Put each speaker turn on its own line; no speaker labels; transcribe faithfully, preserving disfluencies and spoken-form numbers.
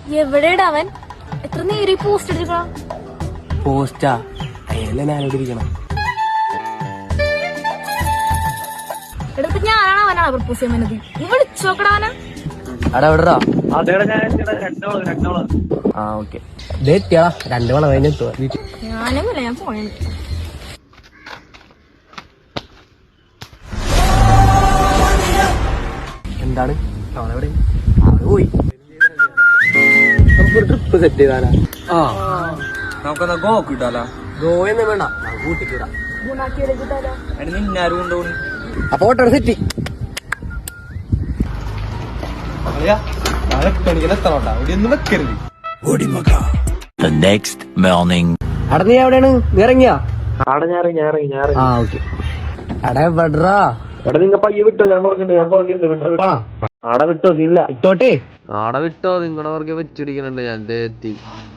എവിടെയാടാ അവൻ? എത്ര നേരം ഈ പോസ്റ്റ് എടുക്കണം?
പോസ്റ്റാ അയല്ലേ ഞാനോട് ഇരിക്കണം.
എടുത്ത് ഞാനാണ് അവനാണ് പ്രപ്പോസ് ചെയ്യാൻ വന്നത്. നീ വിളിച്ചോക്കടാ അവനെ.
അടാ എവിടെടാ? ആ ഓക്കെ എത്തിയാ രണ്ടു മണി കഴിഞ്ഞ് എത്തുക വീട്ടിൽ.
ഞാനൊന്നുമില്ല, ഞാൻ പോണേ.
എന്താണ് അവളെവിടെ? അവള് പോയി. നമുക്കൊരു ട്രിപ്പ് സെറ്റ് ചെയ്താലാ? ആ
നമുക്കെന്നാ ഗോ കിട്ടാലോ?
ഗോയൊന്നും വേണ്ട, നമുക്ക് കൂട്ടിക്കിടാം.
നിന്നാരും കൊണ്ടുപോകും.
അപ്പൊ ഓട്ടോ സെറ്റ്. അട നീ എവിടെയാണ്? നീ ഇറങ്ങിയാ? ആ ഓക്കെ. അട എവിടാ?
എടാ നിങ്ങ പയ്യെ വിട്ടോ, ഞാൻ പറഞ്ഞിട്ടുണ്ട്, ഞാൻ പറഞ്ഞിട്ടുണ്ട്. ആടെ വിട്ടോ, ഇല്ല
ഇട്ടോട്ടെ.
ആടെ വിട്ടോ, നിങ്ങളുടെ പുറകെ വെച്ചിരിക്കണുണ്ട് ഞാൻ എത്തി.